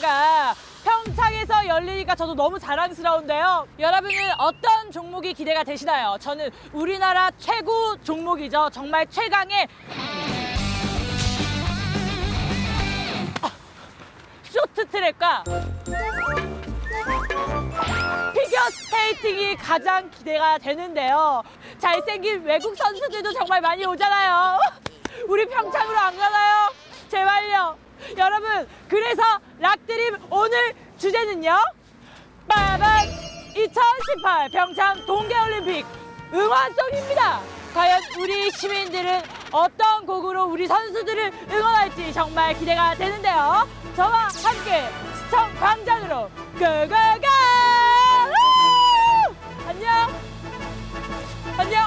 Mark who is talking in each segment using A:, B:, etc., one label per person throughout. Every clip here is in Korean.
A: 행사가 평창에서 열리니까 저도 너무 자랑스러운데요. 여러분은 어떤 종목이 기대가 되시나요? 저는 우리나라 최고 종목이죠. 정말 최강의 쇼트트랙과 피겨스케이팅이 가장 기대가 되는데요. 잘생긴 외국 선수들도 정말 많이 오잖아요. 우리 평창으로 안 가나요? 제발요. 여러분, 그래서 락드림 오늘 주제는요. 빠밤! 2018 평창 동계올림픽 응원송입니다. 과연 우리 시민들은 어떤 곡으로 우리 선수들을 응원할지 정말 기대가 되는데요. 저와 함께 시청 광장으로 고고고! 안녕! 안녕!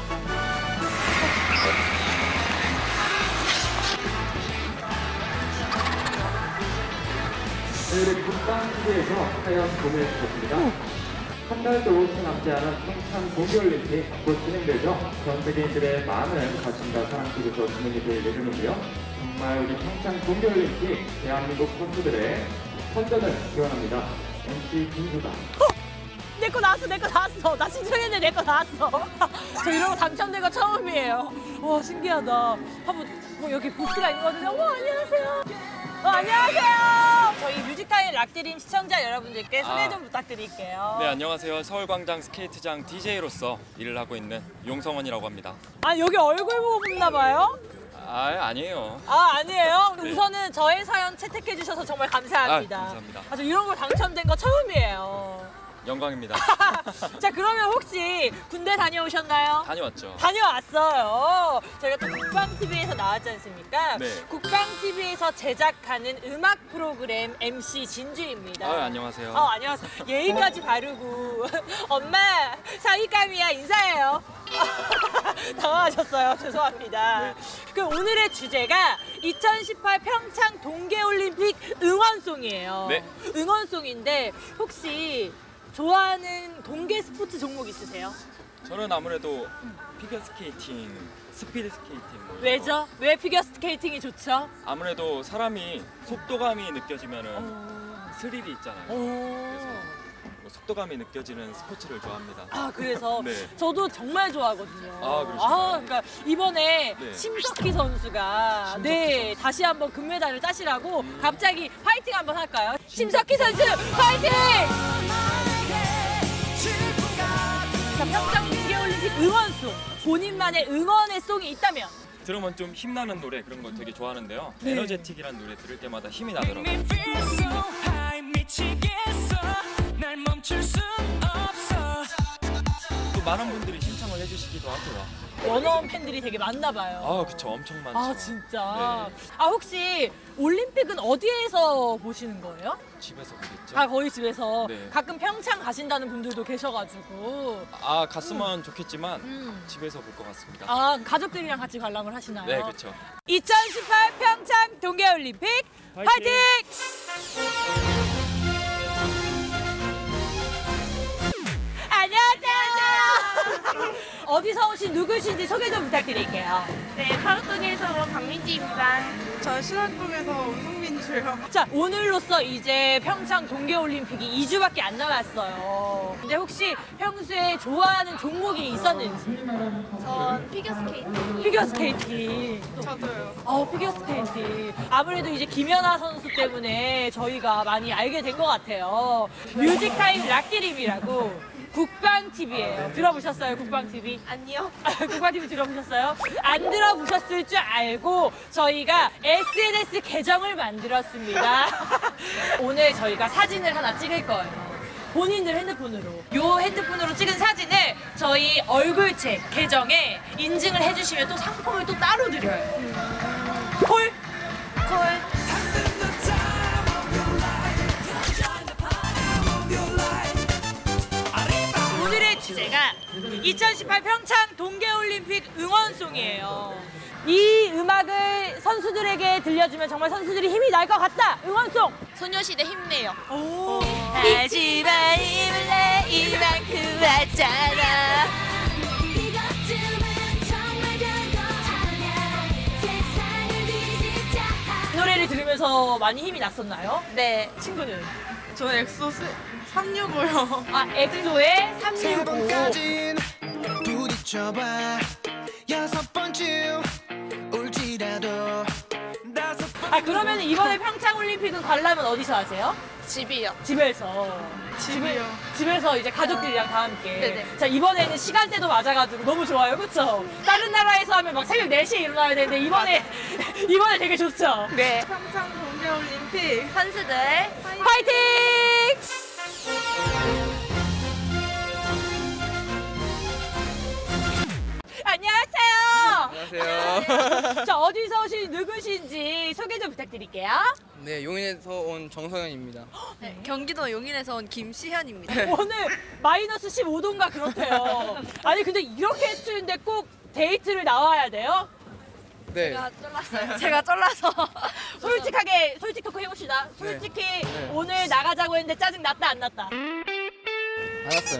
B: 오늘의 국방TV에서 하얀 봄을 주셨습니다. 한 달도 채 남지 않은 평창 동계올림픽 곧 진행되죠. 전 세계인들의 많은 관심과 사랑 속에서 진행이 될 예정이고요. 정말 우리 평창 동계올림픽 대한민국 선수들의 선전을 기원합니다. MC 김수다.
A: 내 거 나왔어, 내 거 나왔어. 나 신청했는데 내 거 나왔어. 저 이런 거 당첨된 거 처음이에요. 와, 신기하다. 한번 여기 부스가 있거든요. 와, 안녕하세요. 안녕하세요. 저희 뮤직타임 락드림 시청자 여러분들께 소개 좀 부탁드릴게요.
C: 네, 안녕하세요. 서울광장 스케이트장 DJ로서 일을 하고 있는 용성원이라고 합니다.
A: 아, 여기 얼굴 보고 붙나 봐요?
C: 아니에요.
A: 아니에요?
C: 네.
A: 우선은 저의 사연 채택해 주셔서 정말 감사합니다.
C: 감사합니다.
A: 저 이런 거 당첨된 거 처음이에요.
C: 영광입니다.
A: 자, 그러면 혹시 군대 다녀오셨나요?
C: 다녀왔죠.
A: 다녀왔어요. 저희가 또 국방TV에서 나왔지 않습니까?
C: 네.
A: 국방TV에서 제작하는 음악 프로그램 MC 진주입니다.
C: 안녕하세요.
A: 안녕하세요. 예의까지 바르고 엄마 사위감이야 인사해요. 당황하셨어요. 죄송합니다.
C: 네.
A: 그럼 오늘의 주제가 2018 평창 동계올림픽 응원송이에요.
C: 네.
A: 응원송인데 혹시 좋아하는 동계 스포츠 종목 있으세요?
C: 저는 아무래도 피겨스케이팅, 스피드스케이팅.
A: 왜죠? 왜 피겨스케이팅이 좋죠?
C: 아무래도 사람이 속도감이 느껴지면은 스릴이 있잖아요. 그래서 속도감이 느껴지는 스포츠를 좋아합니다.
A: 그래서
C: 네.
A: 저도 정말 좋아하거든요.
C: 그러시구나.
A: 그러니까 이번에
C: 네.
A: 심석희 선수가 다시 한번 금메달을 따시라고 갑자기 파이팅 한번 할까요? 심석희 선수 파이팅! 자, 평창 동계올림픽 응원송, 본인만의 응원의 송이 있다면?
C: 들으면 좀 힘나는 노래 그런 거 되게 좋아하는데요.
A: 네.
C: 에너제틱이라는 노래 들을 때마다 힘이 나더라고요. 또 많은 분들이 신청을 해주시기도 하고요.
A: 원어원 팬들이 되게 많나 봐요.
C: 그쵸. 엄청 많죠.
A: 진짜?
C: 네.
A: 혹시 올림픽은 어디에서 보시는 거예요?
C: 집에서 보겠죠.
A: 거의 집에서.
C: 네.
A: 가끔 평창 가신다는 분들도 계셔가지고.
C: 갔으면 좋겠지만 집에서 볼 것 같습니다.
A: 가족들이랑 같이 관람을 하시나요?
C: 네, 그렇죠.
A: 2018 평창 동계올림픽 파이팅! 안녕하세요. 어디서 오신 누구신지 소개 좀 부탁드릴게요.
D: 네, 파루동에서 온 박민지입니다. 저 신안동에서 온 송민주요.
A: 자, 오늘로써 이제 평창 동계올림픽이 2주밖에 안 남았어요. 근데 혹시 평소에 좋아하는 종목이 있었는지?
D: 전 피겨스케이팅.
A: 피겨스케이팅.
D: 저도요.
A: 피겨스케이팅. 아무래도 이제 김연아 선수 때문에 저희가 많이 알게 된 것 같아요. 뮤직타임 락드림이라고 국방TV예요. 들어보셨어요, 국방TV?
D: 아니요.
A: 국방TV 들어보셨어요? 안 들어보셨을 줄 알고 저희가 SNS 계정을 만들었습니다. 오늘 저희가 사진을 하나 찍을 거예요. 본인들 핸드폰으로. 요 핸드폰으로 찍은 사진을 저희 얼굴책 계정에 인증을 해주시면 또 상품을 또 따로 드려요. 콜? 콜. 오늘의 주제가 2018 평창 동계올림픽 응원송이에요. 이 음악을 선수들에게 들려주면 정말 선수들이 힘이 날 것 같다. 응원송.
D: 소녀시대 힘내요.
A: 하지만 힘을 내 이만큼 왔잖아. 노래를 들으면서 더 많이 힘이 났었나요?
D: 네.
A: 친구는?
D: 저 엑소 365요.
A: 아, 엑소의 365.
E: 세 번까진 부딪혀봐 여섯 번쯤 울지라도 다섯 번
A: 아, 그러면 이번에 평창올림픽은 관람은 어디서 하세요?
D: 집이요.
A: 집에서.
D: 집이요.
A: 집에서 이제 가족들이랑 다 함께.
D: 네네.
A: 자, 이번에는 시간대도 맞아가지고 너무 좋아요. 그쵸? 다른 나라에서 하면 막 새벽 4시에 일어나야 되는데 이번에 되게 좋죠?
D: 네. 평창 동계올림픽 선수들
A: 파이팅! 안녕하세요.
F: 안녕하세요.
A: 자, 어디서 오신 누구신지 소개 좀 부탁드릴게요.
F: 네, 용인에서 온 정성현입니다.
D: 네, 경기도 용인에서 온 김시현입니다.
A: 오늘 마이너스 15도인가 그렇대요. 아니 근데 이렇게 추운데 꼭 데이트를 나와야 돼요?
F: 네.
D: 제가 쫄라서
A: 솔직하게 솔직 토크 해봅시다. 솔직히 오늘 나가자고 했는데 짜증 났다 안 났다?
F: 알았어요.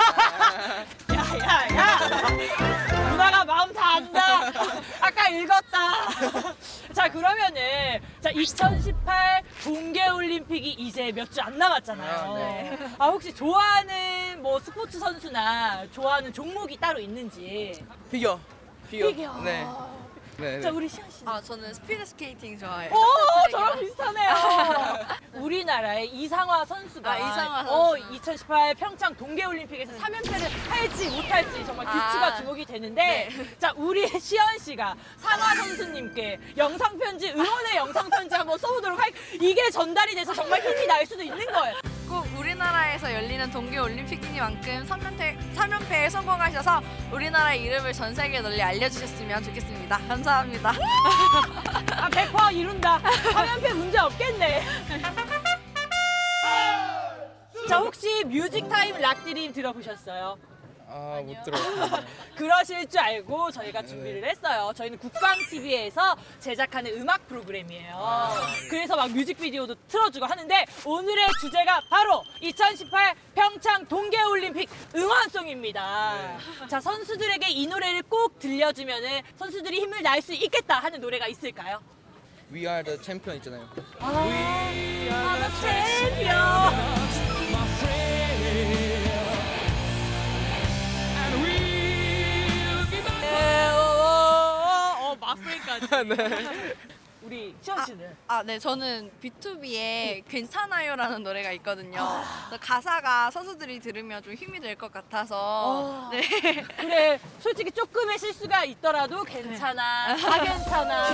A: 야야야 누나가 마음 다 안다. 아까 읽었다. 자 그러면은 자 2018 동계올림픽이 이제 몇 주 안 남았잖아요.
F: 아, 네.
A: 아 혹시 좋아하는 뭐 스포츠 선수나 좋아하는 종목이 따로 있는지?
F: 피겨.
A: 피겨.
F: 네. 네.
A: 자 우리 시현 씨.
D: 아 저는 스피드 스케이팅 좋아해요.
A: 오, 저랑 비슷하네요. 우리나라의 이상화 선수가
D: 이상화 선수.
A: 2018 평창 동계올림픽에서 3연패를 할지 못할지 정말 귀추가 주목이 되는데 자, 우리 시연 씨가 상화 선수님께 영상 편지, 응원의 영상 편지 한번 써보도록 할게요. 이게 전달이 돼서 정말 힘이 날 수도 있는 거예요.
D: 꼭 우리나라에서 열리는 동계올림픽이니만큼 3연패에 성공하셔서 우리나라의 이름을 전 세계에 널리 알려주셨으면 좋겠습니다. 감사합니다.
A: 아, 100% 이룬다. 3연패 문제 없겠네. 자, 혹시 뮤직타임 락드림 들어보셨어요?
F: 아, 못 들었어요.
A: 그러실 줄 알고 저희가 준비를 했어요. 저희는 국방TV에서 제작하는 음악 프로그램이에요. 그래서 막 뮤직비디오도 틀어주고 하는데 오늘의 주제가 바로 2018 평창 동계올림픽 응원송입니다. 자, 선수들에게 이 노래를 꼭 들려주면 선수들이 힘을 낼 수 있겠다 하는 노래가 있을까요?
F: We are the champion 있잖아요.
A: 챔피언. 마플까지.
F: 네.
A: 우리 시원 씨는?
D: 네, 저는 B2B의 괜찮아요라는 노래가 있거든요. 그래서 가사가 선수들이 들으면 좀 힘이 될 것 같아서. 네.
A: 그래, 솔직히 조금의 실수가 있더라도 괜찮아. 다 괜찮아.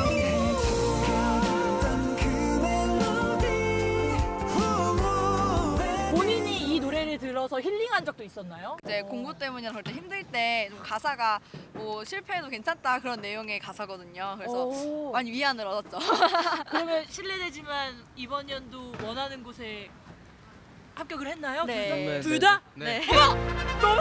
A: 본인이 이 노래를 들어서 힐링한 적도 있었나요?
D: 이제 공부 때문이나 그럴 때 힘들 때 좀 가사가 뭐 실패해도 괜찮다 그런 내용의 가사거든요. 그래서
A: 오.
D: 많이 위안을 얻었죠.
A: 그러면 실례되지만 이번 연도 원하는 곳에 합격을 했나요?
D: 네.
F: 네,
A: 둘
F: 네,
A: 다?
F: 네.
A: 어머! 너무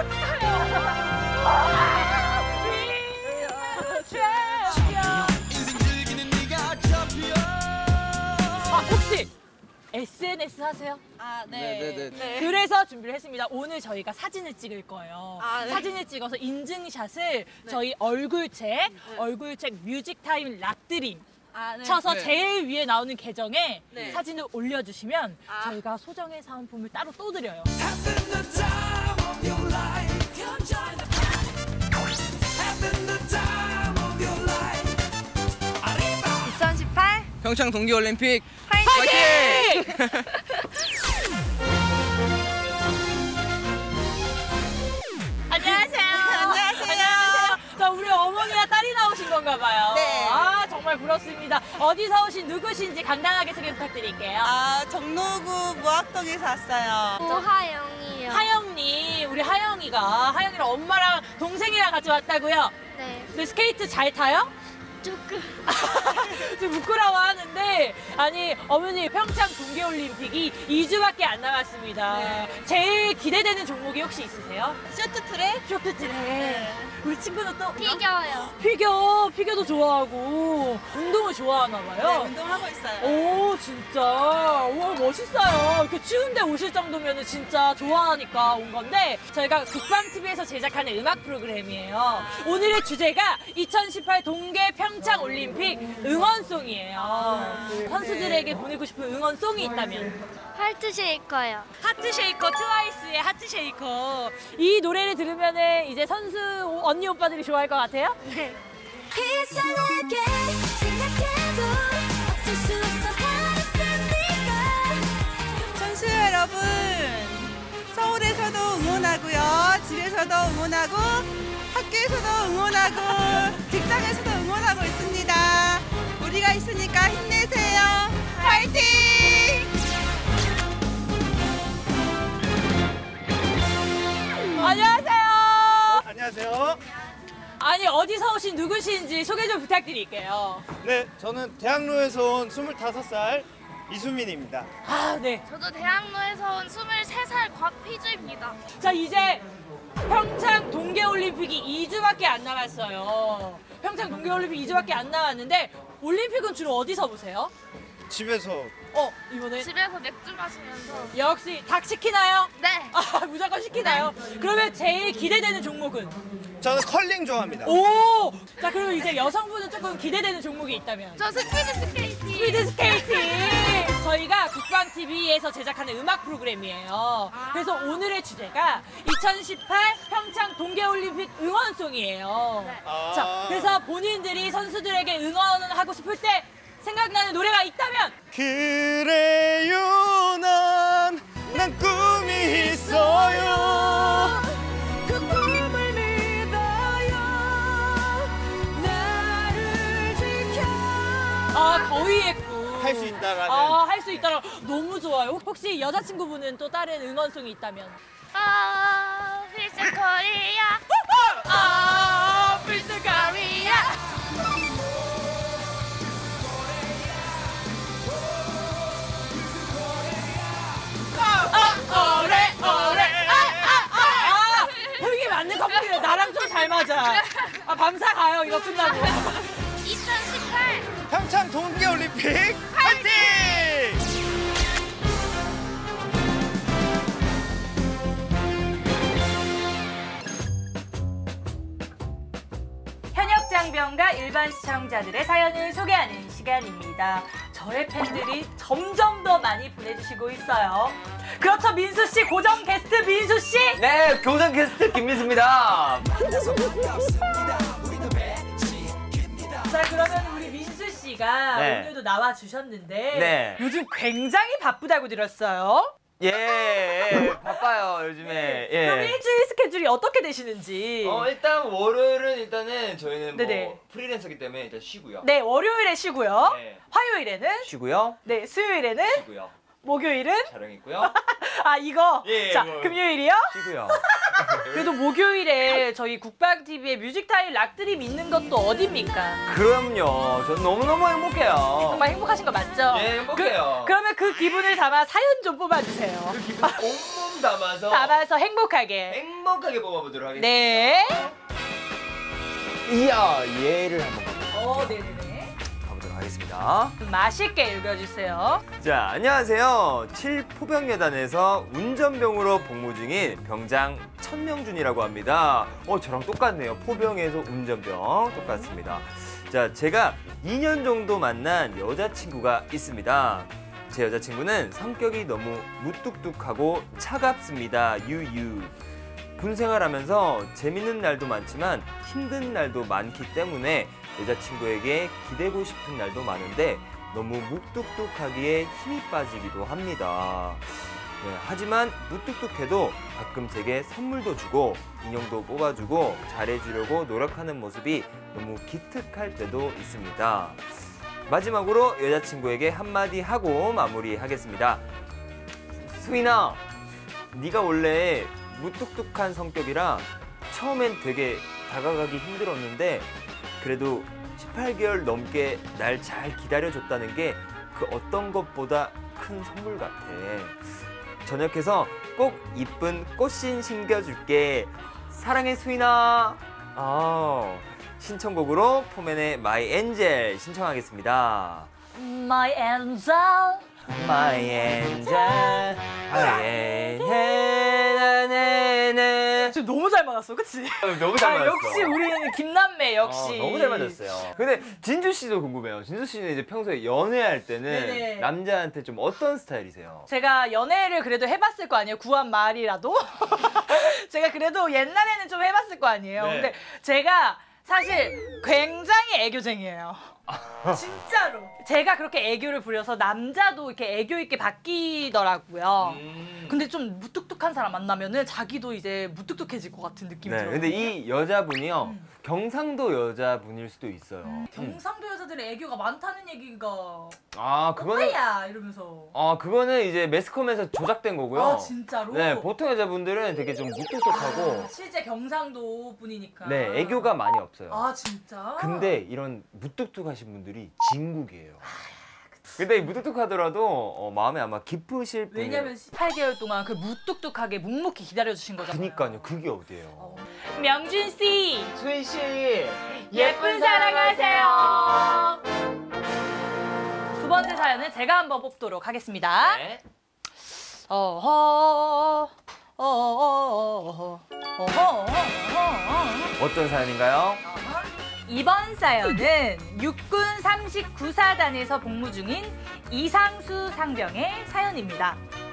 A: 축하해요!
E: 인생 즐기는 네가 잡혀
A: 아, 혹시 SNS 하세요?
F: 네.
A: 그래서 준비를 했습니다. 오늘 저희가 사진을 찍을 거예요.
D: 네.
A: 사진을 찍어서 인증샷을 저희 얼굴책 뮤직타임 락드림 쳐서
F: 네.
A: 제일 위에 나오는 계정에
D: 네.
A: 사진을 올려주시면 저희가 소정의 사은품을 따로 또 드려요.
E: Having the time of your life Having the time of your life
D: 2018
F: 평창 동계올림픽
A: 파이팅! 안녕하세요. 안녕하세요. 자, 우리 어머니와 딸이 나오신 건가 봐요.
G: 네.
A: 아, 정말 부럽습니다. 어디서 오신 누구신지 간단하게 소개 부탁드릴게요.
G: 정로구 무학동에서 왔어요.
H: 하영이요.
A: 하영님, 우리 하영이랑 엄마랑 동생이랑 같이 왔다고요?
H: 네.
A: 근데 스케이트 잘 타요?
H: 조금.
A: 좀 부끄러워하는데 아니 어머니 평창 동계올림픽이 2주밖에 안 남았습니다. 제일 기대되는 종목이 혹시 있으세요?
G: 쇼트트랙?
A: 쇼트트랙. 우리 친구는 또
H: 피겨요.
A: 피겨도 좋아하고 운동을 좋아하나 봐요.
G: 운동하고 있어요.
A: 오 진짜 와 멋있어요. 이렇게 추운데 오실 정도면 진짜 좋아하니까 온 건데 저희가 국방TV에서 제작하는 음악 프로그램이에요. 오늘의 주제가 2018 동계 평창 평창 올림픽 응원송이에요. 선수들에게 보내고 싶은 응원송이 있다면?
H: 하트 쉐이커요.
A: 하트 쉐이커, 트와이스의 하트 쉐이커. 이 노래를 들으면은 이제 선수 언니 오빠들이 좋아할 것 같아요?
H: 네.
I: 이상하게 생각해도 어쩔 수 없어 하겠습니까.
G: 선수 여러분, 서울에서도 응원하고요. 집에서도 응원하고, 학교에서도 응원하고, 직장에서도 응원하고 있습니다. 우리가 있으니까 힘내세요. 화이팅!
A: 안녕하세요.
J: 안녕하세요.
A: 아니 어디서 오신 누구신지 소개 좀 부탁드릴게요.
J: 네, 저는 대학로에서 온 25살 이수민입니다.
A: 아 네.
H: 저도 대학로에서 온 23살 곽희주입니다.
A: 자 이제 평창 동계올림픽이 2주밖에 안 남았어요. 평창 동계올림픽 2주밖에 안 남았는데 올림픽은 주로 어디서 보세요?
J: 집에서
A: 이번에
H: 집에서 맥주 마시면서.
A: 역시 닭 시키나요?
H: 네.
A: 아 무조건 시키나요? 그러면 제일 기대되는 종목은?
J: 저는 컬링 좋아합니다.
A: 오! 자 그러면 이제 여성분은 조금 기대되는 종목이 있다면?
H: 저 스피드 스케이팅.
A: 스피드 스케이팅! 저희가 국방TV에서 제작하는 음악 프로그램이에요. 그래서 오늘의 주제가 2018 평창 동계올림픽 응원송이에요.
H: 네.
A: 자, 그래서 본인들이 선수들에게 응원하고 싶을 때 생각나는 노래가 있다면?
J: 그래요, 난 꿈이 있어요.
I: 그 꿈을 믿어요. 나를 지켜.
A: 거위의 꿈.
J: 할 수 있다라는.
A: 할 수 있다라 너무 좋아요. 혹시 여자친구분은 또 다른 응원송이 있다면?
H: 필스 코리아.
A: 필스 코리아. 형이 맞는 커플이네. 나랑 좀 잘 맞아. 밤사 가요, 이거 끝나고.
H: 2018
J: 평창 동계올림픽 화이팅!
A: 현역 장병과 일반 시청자들의 사연을 소개하는 시간입니다. 저의 팬들이 점점 더 많이 보내주시고 있어요. 그렇죠, 민수 씨, 고정 게스트 민수 씨.
F: 네, 교장 게스트 김민수입니다.
A: 자, 그러면 우리 민수 씨가
F: 네.
A: 오늘도 나와 주셨는데
F: 네.
A: 요즘 굉장히 바쁘다고 들었어요.
F: 예, 바빠요 요즘에. 예.
A: 그럼 일주일 스케줄이 어떻게 되시는지.
F: 일단 월요일은 일단은 저희는
A: 네네.
F: 뭐 프리랜서기 때문에 일단 쉬고요.
A: 네, 월요일에 쉬고요.
F: 네.
A: 화요일에는
F: 쉬고요.
A: 네, 수요일에는
F: 쉬고요.
A: 목요일은
F: 촬영 있고요.
A: 이거.
F: 예,
A: 자,
F: 뭐.
A: 금요일이요?
F: 쉬고요.
A: 그래도 목요일에 저희 국방TV의 뮤직타임 락드림 있는 것도 어딥니까?
F: 그럼요. 전 너무너무 행복해요.
A: 정말 행복하신 거 맞죠?
F: 예, 행복해요.
A: 그러면 그 기분을 담아 사연 좀 뽑아주세요.
F: 그 기분 온몸 담아서
A: 담아서 행복하게.
F: 행복하게 뽑아보도록 하겠습니다.
A: 네.
F: 이야, 얘를 한번
A: 네네네.
F: 가보도록 하겠습니다.
A: 맛있게 읽어주세요.
F: 자, 안녕하세요. 7포병여단에서 운전병으로 복무 중인 병장 천명준이라고 합니다. 저랑 똑같네요. 포병에서 운전병 똑같습니다. 자, 제가 2년 정도 만난 여자친구가 있습니다. 제 여자친구는 성격이 너무 무뚝뚝하고 차갑습니다. 유유. 군 생활하면서 재밌는 날도 많지만 힘든 날도 많기 때문에 여자친구에게 기대고 싶은 날도 많은데 너무 무뚝뚝하기에 힘이 빠지기도 합니다. 네, 하지만 무뚝뚝해도 가끔 제게 선물도 주고 인형도 뽑아주고 잘해주려고 노력하는 모습이 너무 기특할 때도 있습니다. 마지막으로 여자친구에게 한마디 하고 마무리하겠습니다. 수인아, 네가 원래 무뚝뚝한 성격이라 처음엔 되게 다가가기 힘들었는데 그래도 18개월 넘게 날 잘 기다려줬다는 게 그 어떤 것보다 큰 선물 같아. 저녁해서 꼭 이쁜 꽃신 신겨줄게. 사랑해 수인아. 신청곡으로 포맨의 My Angel 신청하겠습니다.
A: My angel.
F: My angel. My angel.
A: 지금 너무 잘 맞았어, 그치?
F: 너무 잘 맞았어.
A: 역시 우리는 김남매 역시.
F: 너무 잘 맞았어요. 근데 진주 씨도 궁금해요. 진주 씨는 이제 평소에 연애할 때는
A: 네네.
F: 남자한테 좀 어떤 스타일이세요?
A: 제가 연애를 그래도 해봤을 거 아니에요? 구한 말이라도? 제가 그래도 옛날에는 좀 해봤을 거 아니에요?
F: 네.
A: 근데 제가 사실 굉장히 애교쟁이에요. 진짜로. 제가 그렇게 애교를 부려서 남자도 이렇게 애교 있게 바뀌더라고요. 근데 좀 무뚝뚝한 사람 만나면은 자기도 이제 무뚝뚝해질 것 같은 느낌이
F: 네,
A: 들어요.
F: 근데 이 여자분이요. 경상도 여자분일 수도 있어요.
A: 경상도 여자들의 애교가 많다는 얘기가
F: 아, 그거는
A: 뭐야 이러면서.
F: 그거는 이제 매스컴에서 조작된 거고요.
A: 아 진짜로?
F: 네, 보통 여자분들은 되게 좀 무뚝뚝하고
A: 실제 경상도 분이니까.
F: 네, 애교가 많이 없어요.
A: 아 진짜?
F: 근데 이런 무뚝뚝하신 분들이 진국이에요. 근데 이 무뚝뚝하더라도 마음에 아마 깊으실 분이에요.
A: 왜냐면 18개월 동안 그 무뚝뚝하게 묵묵히 기다려주신 거잖아요.
F: 그니까요. 그게 어디예요?
A: 명준 씨,
F: 수희 씨,
A: 예쁜 사랑하세요. 두 번째 사연은 제가 한번 뽑도록 하겠습니다.
F: 네. 어떤 사연인가요?
A: 이번 사연은 육군 39사단에서 복무 중인 이상수 상병의 사연입니다.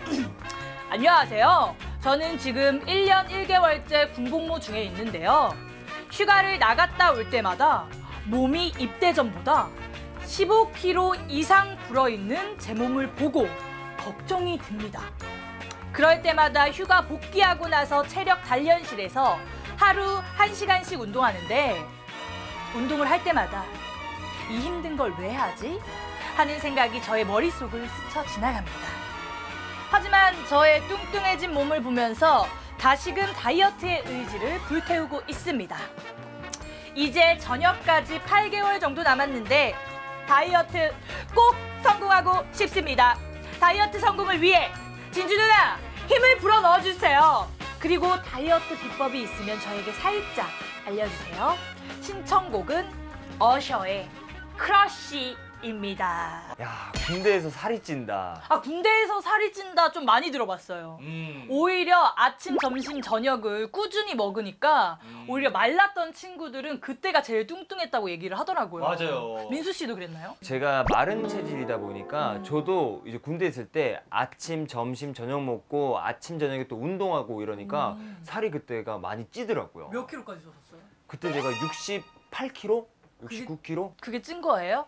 A: 안녕하세요. 저는 지금 1년 1개월째 군복무 중에 있는데요. 휴가를 나갔다 올 때마다 몸이 입대 전보다 15kg 이상 불어있는 제 몸을 보고 걱정이 듭니다. 그럴 때마다 휴가 복귀하고 나서 체력 단련실에서 하루 1시간씩 운동하는데 운동을 할 때마다 이 힘든 걸 왜 하지? 하는 생각이 저의 머릿속을 스쳐 지나갑니다. 하지만 저의 뚱뚱해진 몸을 보면서 다시금 다이어트의 의지를 불태우고 있습니다. 이제 전역까지 8개월 정도 남았는데 다이어트 꼭 성공하고 싶습니다. 다이어트 성공을 위해 진주 누나 힘을 불어 넣어주세요. 그리고 다이어트 비법이 있으면 저에게 살짝 알려주세요. 신청곡은 어셔의 크러쉬입니다.
F: 야, 군대에서 살이 찐다.
A: 아, 군대에서 살이 찐다 좀 많이 들어봤어요. 오히려 아침, 점심, 저녁을 꾸준히 먹으니까 오히려 말랐던 친구들은 그때가 제일 뚱뚱했다고 얘기를 하더라고요.
F: 맞아요.
A: 민수 씨도 그랬나요?
F: 제가 마른 체질이다 보니까 저도 이제 군대 있을 때 아침, 점심, 저녁 먹고 아침, 저녁에 또 운동하고 이러니까 살이 그때가 많이 찌더라고요.
A: 몇 킬로까지 쪘었어요?
F: 그때 제가 68kg? 69kg?
A: 그게 찐 거예요?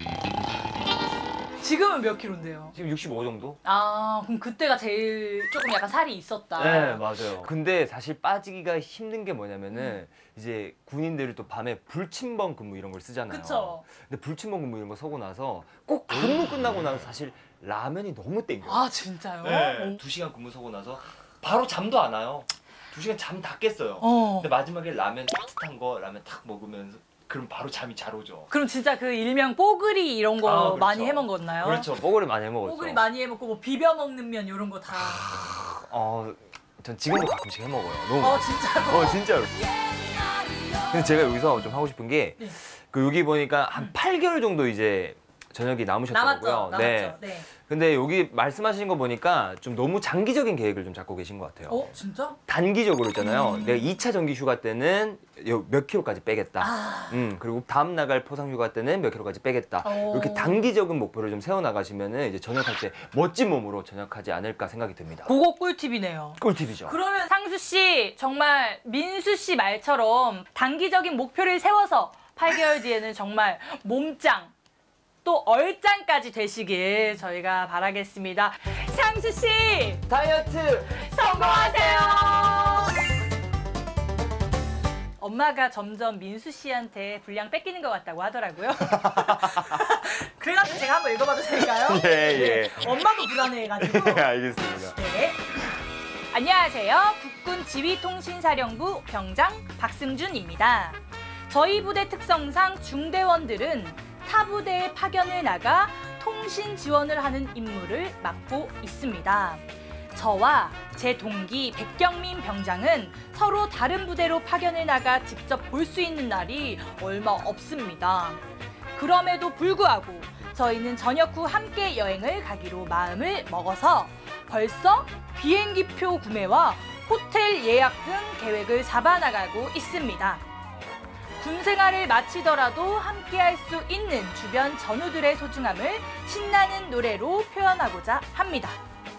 A: 지금은 몇 킬로인데요?
F: 지금 65 정도?
A: 아, 그럼 그때가 제일 조금 약간 살이 있었다.
F: 네, 맞아요. 근데 사실 빠지기가 힘든 게 뭐냐면은 이제 군인들이 또 밤에 불침번 근무 이런 걸 쓰잖아요.
A: 그쵸.
F: 근데 불침번 근무 이런 거 서고 나서 꼭 근무 끝나고 나서 사실 라면이 너무 땡겨요.
A: 아, 진짜요?
F: 네. 2시간 근무 서고 나서 바로 잠도 안 와요. 2시간 잠 다 깼어요. 근데 마지막에 라면 따뜻한 거 라면 탁 먹으면서 그럼 바로 잠이 잘 오죠.
A: 그럼 진짜 그 일명 뽀글이 이런 거
F: 그렇죠.
A: 많이 해 먹었나요?
F: 그렇죠. 뽀글이 많이 해 먹었죠.
A: 뽀글이 많이 해 먹고 뭐 비벼 먹는 면 이런 거 다.
F: 전 지금도 가끔씩 해 먹어요. 너무.
A: 진짜로?
F: 진짜로. 근데 제가 여기서 좀 하고 싶은 게 그 여기 보니까 한 8개월 정도 이제 저녁이 남으셨더라고요.
A: 남았죠. 네.
F: 근데 여기 말씀하신 거 보니까 좀 너무 장기적인 계획을 좀 잡고 계신 것 같아요.
A: 진짜?
F: 단기적으로 있잖아요. 내가 2차 정기 휴가 때는 몇 킬로까지 빼겠다. 그리고 다음 나갈 포상 휴가 때는 몇 킬로까지 빼겠다. 이렇게 단기적인 목표를 좀 세워나가시면은 이제 전역할 때 멋진 몸으로 전역하지 않을까 생각이 듭니다.
A: 그거 꿀팁이네요.
F: 꿀팁이죠.
A: 그러면 상수 씨 정말 민수 씨 말처럼 단기적인 목표를 세워서 8개월 뒤에는 정말 몸짱 또 얼짱까지 되시길 저희가 바라겠습니다. 상수 씨
F: 다이어트
A: 성공하세요. 엄마가 점점 민수 씨한테 분량 뺏기는 것 같다고 하더라고요. 그래가지고 제가 한번 읽어봐도 될까요?
F: 예.
A: 엄마도 불안해해가지고.
F: 알겠습니다.
A: 네. 안녕하세요. 국군 지휘통신사령부 병장 박승준입니다. 저희 부대 특성상 중대원들은 타 부대에 파견을 나가 통신 지원을 하는 임무를 맡고 있습니다. 저와 제 동기 백경민 병장은 서로 다른 부대로 파견을 나가 직접 볼 수 있는 날이 얼마 없습니다. 그럼에도 불구하고 저희는 전역 후 함께 여행을 가기로 마음을 먹어서 벌써 비행기표 구매와 호텔 예약 등 계획을 잡아나가고 있습니다. 군 생활을 마치더라도 함께할 수 있는 주변 전우들의 소중함을 신나는 노래로 표현하고자 합니다.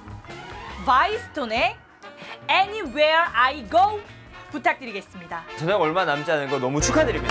A: 바이스톤의 Anywhere I Go 부탁드리겠습니다.
F: 저녁 얼마 남지 않은 거 너무 축하드립니다.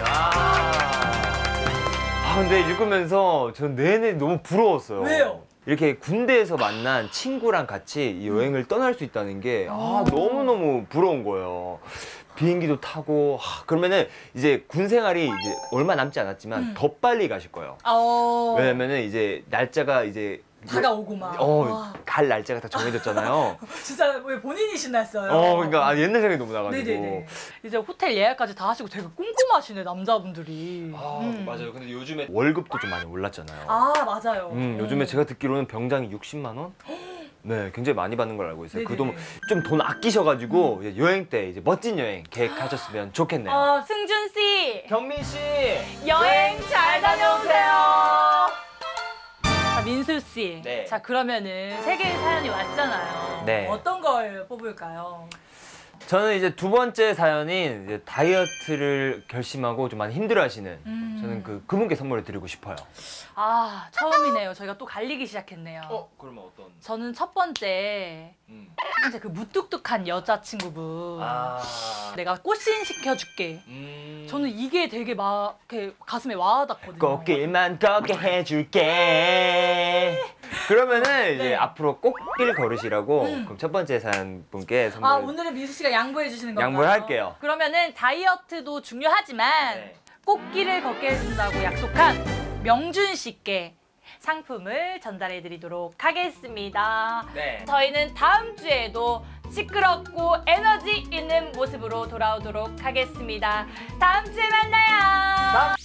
F: 근데 읽으면서 전 내내 너무 부러웠어요.
A: 왜요?
F: 이렇게 군대에서 만난 친구랑 같이 이 여행을 떠날 수 있다는 게 너무너무 부러운 거예요. 비행기도 타고 그러면은 이제 군 생활이 이제 얼마 남지 않았지만 더 빨리 가실 거예요. 왜냐면은 이제 날짜가 이제
A: 다가오고 막.
F: 갈 날짜가 다 정해졌잖아요.
A: 진짜 왜 본인이 신났어요?
F: 그러니까 옛날 생각이 너무 나가지고.
A: 네네네. 이제 호텔 예약까지 다 하시고 되게 꼼꼼하시네 남자분들이.
F: 맞아요. 근데 요즘에 월급도 좀 많이 올랐잖아요.
A: 맞아요.
F: 요즘에 제가 듣기로는 병장이 60만 원? 네, 굉장히 많이 받는 걸 알고 있어요. 그 돈 좀 돈 아끼셔가지고 이제 여행 때 이제 멋진 여행 계획하셨으면 좋겠네요.
A: 승준 씨,
F: 경민 씨,
A: 여행 잘 다녀오세요. 자, 민수 씨.
F: 네.
A: 자, 그러면은 세 개의 사연이 왔잖아요.
F: 네.
A: 어떤 걸 뽑을까요?
F: 저는 이제 두 번째 사연인 이제 다이어트를 결심하고 좀 많이 힘들어하시는 저는 그분께 선물을 드리고 싶어요.
A: 처음이네요. 저희가 또 갈리기 시작했네요.
F: 그러면 어떤?
A: 저는 첫 번째 그 무뚝뚝한 여자친구분. 내가 꽃신 시켜줄게. 저는 이게 되게 막 이렇게 가슴에 와닿거든요.
F: 꽃길만 걷게 해줄게. 그러면은 이제 앞으로 꽃길 걸으시라고 그럼 첫 번째 사연 분께 선물.
A: 오늘은 민수 씨가 양보해 주시는 건가요?
F: 양보를 할게요.
A: 그러면은 다이어트도 중요하지만 꽃길을 걷게 해준다고 약속한 명준 씨께 상품을 전달해 드리도록 하겠습니다.
F: 네.
A: 저희는 다음 주에도 시끄럽고 에너지 있는 모습으로 돌아오도록 하겠습니다. 다음 주에 만나요.